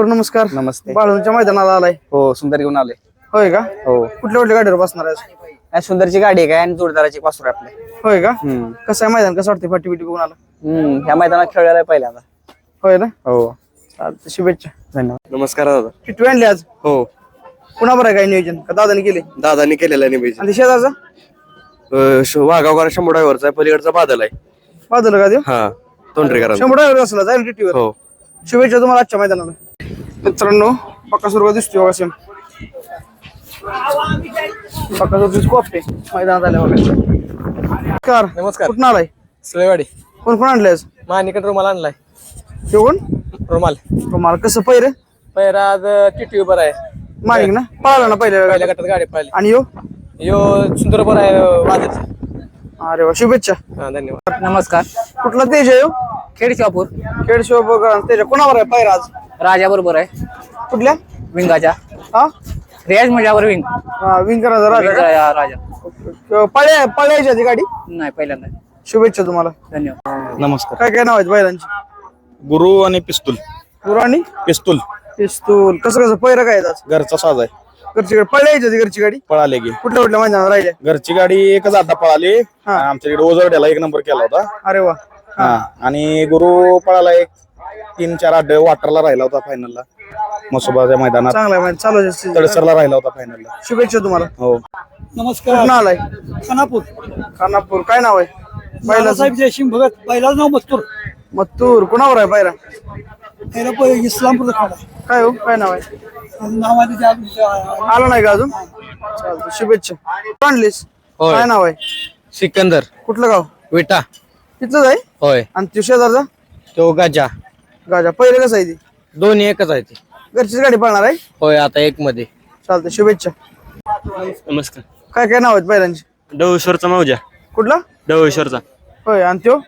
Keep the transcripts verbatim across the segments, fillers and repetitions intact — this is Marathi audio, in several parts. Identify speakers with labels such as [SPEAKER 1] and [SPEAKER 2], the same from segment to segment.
[SPEAKER 1] नमस्कार.
[SPEAKER 2] नमस्ते.
[SPEAKER 1] बाळूंच्या मैदानाला आलाय.
[SPEAKER 2] हो, सुंदर घेऊन आले.
[SPEAKER 1] होय का?
[SPEAKER 2] हो.
[SPEAKER 1] कुठल्या कुठल्या गाडीवर बसणार आहे?
[SPEAKER 2] काय सुंदरची गाडी आहे काय आणि जोडदाराची पासूर आपले.
[SPEAKER 1] होय का?
[SPEAKER 2] हम्म
[SPEAKER 1] कसं आहे मैदान, कसं वाटतं फाटी बिटी बघून आला?
[SPEAKER 2] हम्म ह्या मैदानात खेळलेला आहे पहिल्यांदा.
[SPEAKER 1] होय ना?
[SPEAKER 2] हो.
[SPEAKER 1] चालतं, शुभेच्छा.
[SPEAKER 2] धन्यवाद. नमस्कार दादा.
[SPEAKER 1] किती आणली आज?
[SPEAKER 2] हो.
[SPEAKER 1] कुणाबर आहे काय नियोजन का दादाने केले?
[SPEAKER 2] दादानी केलेला आहे नियोजन.
[SPEAKER 1] आणि शेजारचा
[SPEAKER 2] वाघावकर शंभर ड्रायव्हरचा पलीकडचा बादल आहे.
[SPEAKER 1] बाजूला का देऊ?
[SPEAKER 2] हा, तोंडरेकर.
[SPEAKER 1] शंभर असला जाईल टीटीवर.
[SPEAKER 2] हो.
[SPEAKER 1] शुभेच्छा तुम्हाला आजच्या मैदानाला. मित्रांनो, बकासूर दिसतोय बघा सेम. बकासूरची कोपटे मैदानात आल्या बघा. नमस्कार.
[SPEAKER 3] नमस्कार.
[SPEAKER 1] कुठून आलाय?
[SPEAKER 3] सुळेवाडी.
[SPEAKER 1] कोण कोण आणले आज?
[SPEAKER 3] मानिकट रुमाल आणलाय.
[SPEAKER 1] तो कोण?
[SPEAKER 3] रुमाल
[SPEAKER 1] तुम्हाला कसं पहिरे?
[SPEAKER 3] पहिला आज टिटी उभा आहे.
[SPEAKER 1] माणिक ना पळाला ना
[SPEAKER 3] पहिल्या
[SPEAKER 1] पहिल्या
[SPEAKER 3] गटात गाडी पाहिली.
[SPEAKER 1] आणि यो
[SPEAKER 3] यो सुंदर बरं आहे वादच.
[SPEAKER 1] अरे वा, शुभेच्छा.
[SPEAKER 3] हा, धन्यवाद.
[SPEAKER 4] नमस्कार.
[SPEAKER 1] कुठला तेज आहे?
[SPEAKER 4] खेड शापूर
[SPEAKER 1] खेड शिवबा त्याच्या कोणावर आहे पायरा आज?
[SPEAKER 4] राजा बरोबर आहे.
[SPEAKER 1] कुठल्या?
[SPEAKER 4] विंगाच्या
[SPEAKER 1] हा
[SPEAKER 4] रियाज मजावर विंग
[SPEAKER 1] विंकराचा राजा का?
[SPEAKER 4] विंगा राजा
[SPEAKER 1] पळ्या पळ्याची आधी गाडी.
[SPEAKER 4] नाही पहिल्यांदा.
[SPEAKER 1] शुभेच्छा तुम्हाला.
[SPEAKER 4] धन्यवाद.
[SPEAKER 2] नमस्कार.
[SPEAKER 1] काय काय नाव आहेत बैलांची?
[SPEAKER 2] गुरु आणि पिस्तूल.
[SPEAKER 1] गुरु आणि
[SPEAKER 2] पिस्तूल
[SPEAKER 1] पिस्तूल. कसं कसं पहिरं काय आहेत आज?
[SPEAKER 2] घरचा साज आहे.
[SPEAKER 1] घरची गाडी पळ्याची आधी घरची गाडी.
[SPEAKER 2] पळाले की
[SPEAKER 1] कुठल्या कुठल्या मैदानात राहिल्या?
[SPEAKER 2] घरची गाडी एकच आता पळाली. आमच्याकडे ओझरड्याला एक नंबर केला होता.
[SPEAKER 1] अरे वा.
[SPEAKER 2] हा, आणि गुरु पळाला एक तीन चार आठ वाटरला राहिला होता फायनलला. मसोबाच्या मैदानात
[SPEAKER 1] चांगला आहे चालू आहे.
[SPEAKER 2] तडसरला राहिला होता फायनलला.
[SPEAKER 1] शुभेच्छा तुम्हाला.
[SPEAKER 2] हो.
[SPEAKER 1] नमस्कार. कुठून आलाय?
[SPEAKER 3] खानापूर.
[SPEAKER 1] खानापूर. काय नाव आहे बैलाचं?
[SPEAKER 3] साहेब जयसिंग भगत. पहिलाच नाव मस्तूर.
[SPEAKER 1] मत्तूर. कुणावर आहे पायरा?
[SPEAKER 3] पहिला इस्लामपूरचा खाडा.
[SPEAKER 1] काय हो, काय नाव आहे?
[SPEAKER 3] नाव आहे
[SPEAKER 1] आला नाही का अजून? चालतं, शुभेच्छा. आणलीस?
[SPEAKER 2] होय.
[SPEAKER 1] काय नाव आहे?
[SPEAKER 2] सिकंदर.
[SPEAKER 1] कुठलं गाव?
[SPEAKER 2] विटा.
[SPEAKER 1] तिथलंच आहे?
[SPEAKER 2] होय.
[SPEAKER 1] आणि तो शेजारचा?
[SPEAKER 2] तो गाजा.
[SPEAKER 1] गाजा. पहिले कसं आहे ती?
[SPEAKER 2] दोन्ही एकच आहे ती.
[SPEAKER 1] घरचीच गाडी पळणार आहे?
[SPEAKER 2] होय, आता एक मध्ये.
[SPEAKER 1] चालतं, शुभेच्छा.
[SPEAKER 2] नमस्कार.
[SPEAKER 1] काय काय नाव आहेत बैलांची?
[SPEAKER 2] डवळेश्वरचा मौजा.
[SPEAKER 1] कुठला?
[SPEAKER 2] डवळेश्वरचा.
[SPEAKER 1] होय. आणि त्यो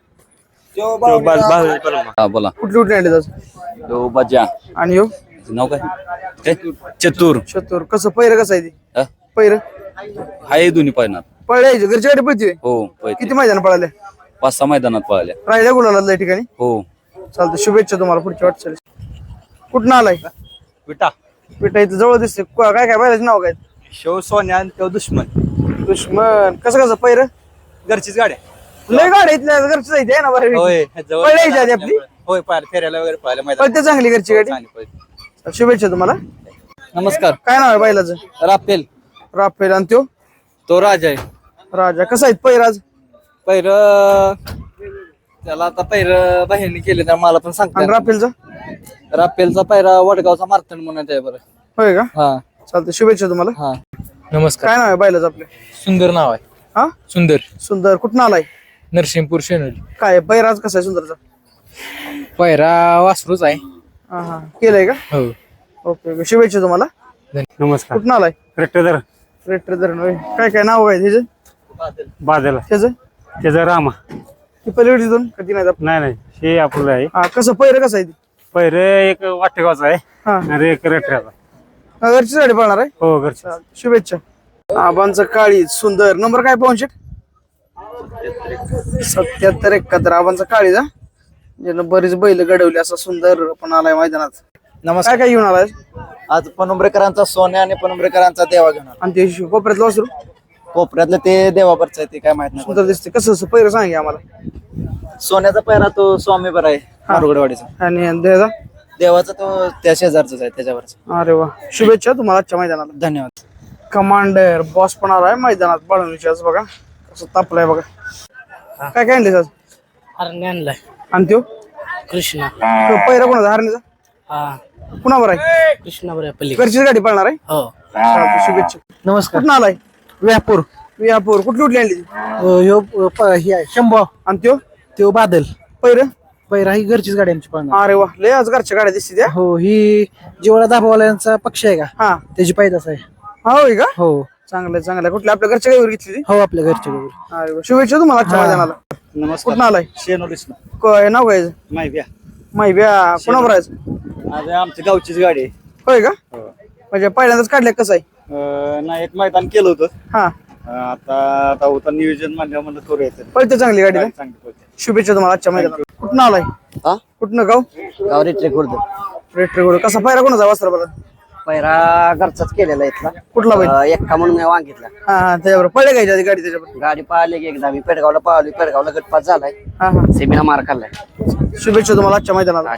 [SPEAKER 2] बोला.
[SPEAKER 1] कुठली कुठली आणली आज?
[SPEAKER 2] तो बाजा.
[SPEAKER 1] आणि यो
[SPEAKER 2] नाव काय? चतुर.
[SPEAKER 1] चतुर. कसं पहिरं कसं आहे ती?
[SPEAKER 2] हा?
[SPEAKER 1] पहिरं
[SPEAKER 2] हाय दोन्ही पायनात.
[SPEAKER 1] पळायची घरची गाडी पळते?
[SPEAKER 2] हो.
[SPEAKER 1] किती मैदान पळाले?
[SPEAKER 2] पाच सहा मैदानात पळाल्या.
[SPEAKER 1] राहिल्या गुलाला या ठिकाणी?
[SPEAKER 2] हो.
[SPEAKER 1] चालतं, शुभेच्छा तुम्हाला पुढच्या वाटचाली. कुठं आलाय?
[SPEAKER 2] विटा.
[SPEAKER 1] पिठा इथं जवळ दिसते. काय काय बैलाचे नाव काय?
[SPEAKER 2] शो सोन्या आणि तो दुश्मन.
[SPEAKER 1] दुश्मन. कसं कसं पहिरं?
[SPEAKER 2] घरचीच गाड्या.
[SPEAKER 1] लय गाडी इथल्या घरची जायची आहे ना बरं.
[SPEAKER 2] होय.
[SPEAKER 1] पळायची आधी आपली?
[SPEAKER 2] होय, पाहिलं फेऱ्याला वगैरे पाहिलं मैदान.
[SPEAKER 1] पळते चांगली घरची गाडी.
[SPEAKER 2] चांगली पळते.
[SPEAKER 1] शुभेच्छा तुम्हाला.
[SPEAKER 2] नमस्कार.
[SPEAKER 1] काय नाव आहे बैलाचं?
[SPEAKER 2] राफेल.
[SPEAKER 1] राफेल. आणि त्यो
[SPEAKER 2] तो राजा आहे.
[SPEAKER 1] राजा. कसं आहेत पैराज?
[SPEAKER 2] पैर त्याला आता पैर बाहेरने केले तर मला पण
[SPEAKER 1] आणि
[SPEAKER 2] सांगता.
[SPEAKER 1] राफेलचा?
[SPEAKER 2] राफेलचा पैरा वडगावचा मारतण म्हणून आहे बरं.
[SPEAKER 1] होय का?
[SPEAKER 2] हा.
[SPEAKER 1] चालतं, शुभेच्छा तुम्हाला.
[SPEAKER 2] हा.
[SPEAKER 3] नमस्कार.
[SPEAKER 1] काय नाव आहे बैलाचं आपलं?
[SPEAKER 3] सुंदर नाव आहे.
[SPEAKER 1] हा,
[SPEAKER 3] सुंदर.
[SPEAKER 1] सुंदर. कुठं आलाय?
[SPEAKER 3] नरसिंहपूर शेनोली.
[SPEAKER 1] काय पैराज कसा आहे सुंदरचा?
[SPEAKER 3] पहिरा वासरूच आहे.
[SPEAKER 1] हा हा, केलंय का?
[SPEAKER 3] हो.
[SPEAKER 1] ओके ओके, शुभेच्छा तुम्हाला.
[SPEAKER 5] नमस्कार.
[SPEAKER 1] कुठं आलाय?
[SPEAKER 5] रेट्टेदार
[SPEAKER 1] रेट्रे धरण. होय. काय काय नाव काय त्याचं?
[SPEAKER 5] बादल
[SPEAKER 1] त्याचं
[SPEAKER 5] त्याचा रामा.
[SPEAKER 1] ती पलीकडे दोन कधी नाही
[SPEAKER 5] नाही नाही हे आपलं आहे.
[SPEAKER 1] हा, कसं पैर कसं आहे ती?
[SPEAKER 5] पहिरे एक वाटेगावचा आहे
[SPEAKER 1] हा,
[SPEAKER 5] आणि एक रेट्ट्याचा.
[SPEAKER 1] घरची गाडी पळणार आहे?
[SPEAKER 5] हो घरचे.
[SPEAKER 1] चालतं, शुभेच्छा. आबांचं काळी सुंदर. नंबर काय पाहून सत्याहत्तर एकाहत्तर. आबांचा काळी जा ज्यानं बरीच बैल घडवली. असा सुंदर पण आलाय मैदानात.
[SPEAKER 2] नमस्कार.
[SPEAKER 1] काय काय घेऊन आलाय?
[SPEAKER 2] आज पनुंबरेकरांचा सोन्या आणि पनुंबरेकरांचा देवा घेऊन आला.
[SPEAKER 1] आणि ते कोपऱ्यातलं वासरू
[SPEAKER 2] कोपऱ्यातलं ते देवावरचं आहे ते काय माहित नाही.
[SPEAKER 1] सुंदर दिसते. कसं कसं पैर सांगे आम्हाला.
[SPEAKER 2] सोन्याचा पैरा तो स्वामी बरा आहे मारुगडवाडीचा.
[SPEAKER 1] आणि द्यायचा?
[SPEAKER 2] देवाचा तो त्या शेजारचाच आहे त्याच्यावरचा.
[SPEAKER 1] अरे वा, शुभेच्छा तुम्हाला आजच्या मैदानाला.
[SPEAKER 2] धन्यवाद.
[SPEAKER 1] कमांडर बॉस पण आलाय मैदानात. बाळवणीची आज बघा कसं तापलाय बघा. काय काय आणले आज?
[SPEAKER 4] हरणे आणलाय.
[SPEAKER 1] आणि त्यो
[SPEAKER 4] कृष्णा.
[SPEAKER 1] पहिला कोणाचा? हरणीचा.
[SPEAKER 4] हा,
[SPEAKER 1] कुणावर आहे?
[SPEAKER 4] कृष्णा बरं पल्ली.
[SPEAKER 1] घरचीच गाडी पळणार आहे?
[SPEAKER 4] हो.
[SPEAKER 1] चालतंय, शुभेच्छा.
[SPEAKER 4] नमस्कार.
[SPEAKER 1] कुठं आलाय?
[SPEAKER 4] व्यापूर.
[SPEAKER 1] विहापूर. कुठली कुठली आणली?
[SPEAKER 4] ह्यो ही आहे शंभो.
[SPEAKER 1] आणि त्यो
[SPEAKER 4] त्यो बादल.
[SPEAKER 1] पहिरं?
[SPEAKER 4] पहिरा ही घरचीच गाडी आमची पळणार.
[SPEAKER 1] अरे वा, लय आज घरच्या गाड्या दिसते त्या.
[SPEAKER 4] हो, ही जिवळा दाबावाल्यांचा पक्ष आहे का?
[SPEAKER 1] हा,
[SPEAKER 4] त्याची पैदास आहे.
[SPEAKER 1] हा होय का?
[SPEAKER 4] हो.
[SPEAKER 1] चांगलं चांगलं. कुठल्या आपल्या घरच्या गाडीवर घेतली ती?
[SPEAKER 4] हो, आपल्या घरच्या गाडी.
[SPEAKER 1] अरे वा, शुभेच्छा तुम्हाला आजच्या मैदानाला.
[SPEAKER 2] नमस्कार.
[SPEAKER 1] कुठं आलाय?
[SPEAKER 2] शेनोलीस
[SPEAKER 1] काय नाव काय?
[SPEAKER 2] माहिती
[SPEAKER 1] माहिब्या. कोणावर आहे?
[SPEAKER 2] आज आमच्या गावचीच गाडी आहे.
[SPEAKER 1] होय का? म्हणजे पहिल्यांदाच काढल्या कसं आहे?
[SPEAKER 2] अं, नाही एक मैदान केलं होतं.
[SPEAKER 1] हा,
[SPEAKER 2] अं, आता आता होता नियोजन म्हणलं म्हणलं करू येतं.
[SPEAKER 1] पळते चांगली गाडी ना?
[SPEAKER 2] चांगली पळते.
[SPEAKER 1] शुभेच्छा तुम्हाला आजच्या मैदानाला. कुठं आलाय?
[SPEAKER 2] हा?
[SPEAKER 1] कुठनं गाव?
[SPEAKER 2] गाव रेट्रे खुर्द.
[SPEAKER 1] रेट्रे घोडे कसा पायरा कोणाचा वासरा बरं
[SPEAKER 6] पहिला घरचाच केलेला इथला
[SPEAKER 1] कुठला बैल
[SPEAKER 6] अं, एक्का म्हणून मी वांगितला
[SPEAKER 1] हा हा त्याच्याबरोबर पडले काय आधी गाडी त्याच्याबरोबर
[SPEAKER 6] गाडी पाहिली की एकदा मी पेडगावला पाहिली पेडगावला गटपास झालाय
[SPEAKER 1] हा हा
[SPEAKER 6] सेमीला मार खाल्लाय
[SPEAKER 1] शुभेच्छा तुम्हाला आजच्या मैदानाला